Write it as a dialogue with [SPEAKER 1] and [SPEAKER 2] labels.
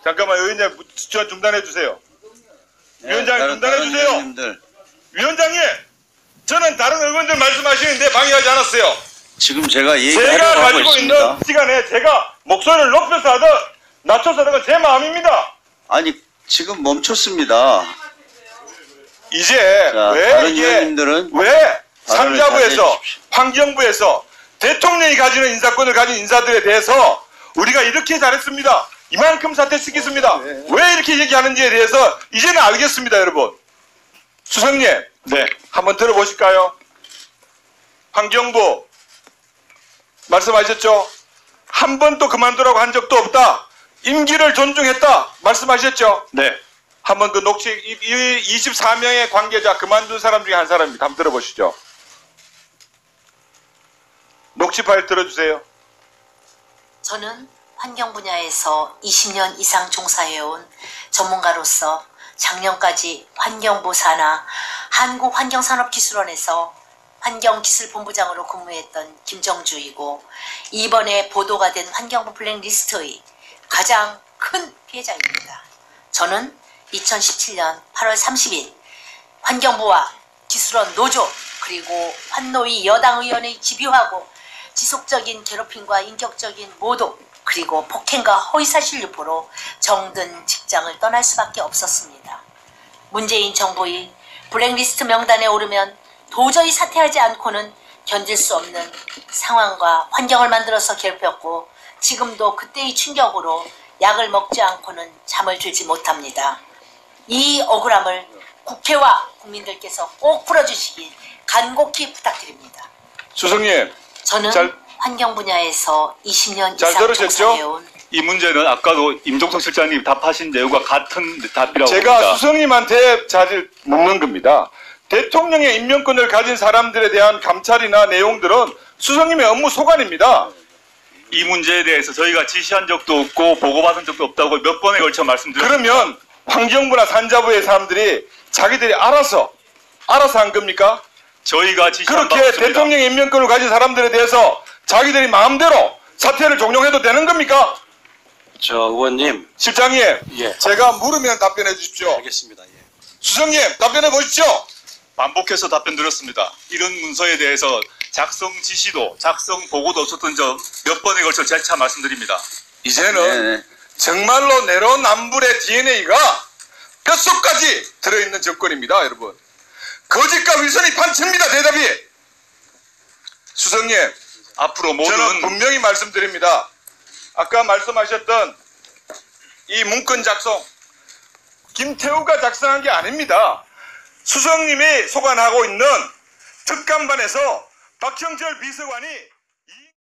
[SPEAKER 1] 잠깐만 위원장 중단해 주세요. 위원장 중단해 주세요. 위원장님, 저는 다른 의원들 말씀하시는데 방해하지 않았어요.
[SPEAKER 2] 지금 제가
[SPEAKER 1] 제가 가지고 있는 시간에 제가 목소리를 높여서 하든 낮춰서 하든 건 제 마음입니다.
[SPEAKER 2] 아니 지금 멈췄습니다.
[SPEAKER 1] 이제
[SPEAKER 2] 자,
[SPEAKER 1] 왜
[SPEAKER 2] 다른
[SPEAKER 1] 이게
[SPEAKER 2] 의원님들은
[SPEAKER 1] 왜
[SPEAKER 2] 발언을
[SPEAKER 1] 산자부에서
[SPEAKER 2] 자제해
[SPEAKER 1] 환경부에서 대통령이 가지는 인사권을 가진 인사들에 대해서 우리가 이렇게 잘했습니다. 이만큼 사퇴시켰습니다. 왜 이렇게 얘기하는지에 대해서 이제는 알겠습니다, 여러분. 수석님, 네, 한번 들어보실까요? 환경부 말씀하셨죠? 한 번도 그만두라고 한 적도 없다. 임기를 존중했다. 말씀하셨죠? 네. 한번 그 녹취 24명의 관계자 그만둔 사람 중에 한 사람입니다. 한번 들어보시죠. 녹취 파일 들어주세요.
[SPEAKER 3] 저는 환경 분야에서 20년 이상 종사해온 전문가로서 작년까지 환경부 산하 한국환경산업기술원에서 환경기술본부장으로 근무했던 김정주이고 이번에 보도가 된 환경부 블랙리스트의 가장 큰 피해자입니다. 저는 2017년 8월 30일 환경부와 기술원 노조 그리고 환노위 여당 의원의 집요하고 지속적인 괴롭힘과 인격적인 모독 그리고 폭행과 허위사실 유포로 정든 직장을 떠날 수밖에 없었습니다. 문재인 정부의 블랙리스트 명단에 오르면 도저히 사퇴하지 않고는 견딜 수 없는 상황과 환경을 만들어서 괴롭혔고 지금도 그때의 충격으로 약을 먹지 않고는 잠을 들지 못합니다. 이 억울함을 국회와 국민들께서 꼭 풀어주시길 간곡히 부탁드립니다.
[SPEAKER 1] 수석님,
[SPEAKER 3] 저는 환경 분야에서 20년 이상 종사해온
[SPEAKER 4] 이 문제는 아까도 임종석 실장님 답하신 내용과 같은 답이라고
[SPEAKER 1] 제가
[SPEAKER 4] 봅니다.
[SPEAKER 1] 수석님한테 자질 묻는 겁니다. 대통령의 임명권을 가진 사람들에 대한 감찰이나 내용들은 수석님의 업무 소관입니다.
[SPEAKER 4] 이 문제에 대해서 저희가 지시한 적도 없고 보고받은 적도 없다고 몇 번에 걸쳐 말씀드렸습니다.
[SPEAKER 1] 그러면 환경부나 산자부의 사람들이 자기들이 알아서 한 겁니까?
[SPEAKER 4] 저희가 지시한 바
[SPEAKER 1] 그렇게
[SPEAKER 4] 없습니다.
[SPEAKER 1] 대통령의 임명권을 가진 사람들에 대해서 자기들이 마음대로 사퇴를 종용해도 되는 겁니까?
[SPEAKER 5] 저 의원님.
[SPEAKER 1] 실장님,
[SPEAKER 5] 예.
[SPEAKER 1] 제가 물으면 답변해 주십시오.
[SPEAKER 5] 알겠습니다. 예.
[SPEAKER 1] 수석님, 답변해 보십시오.
[SPEAKER 4] 반복해서 답변 드렸습니다. 이런 문서에 대해서 작성 지시도 작성 보고도 없었던 점 몇 번에 걸쳐 재차 말씀드립니다.
[SPEAKER 1] 이제는 정말로 내로남불의 DNA가 뼛속까지 들어있는 정권입니다, 여러분. 거짓과 위선이 판칩니다, 대답이. 수석님,
[SPEAKER 4] 앞으로 모든
[SPEAKER 1] 저는 분명히 말씀드립니다. 아까 말씀하셨던 이 문건 작성, 김태우가 작성한 게 아닙니다. 수석님이 소관하고 있는 특감반에서 박형철 비서관이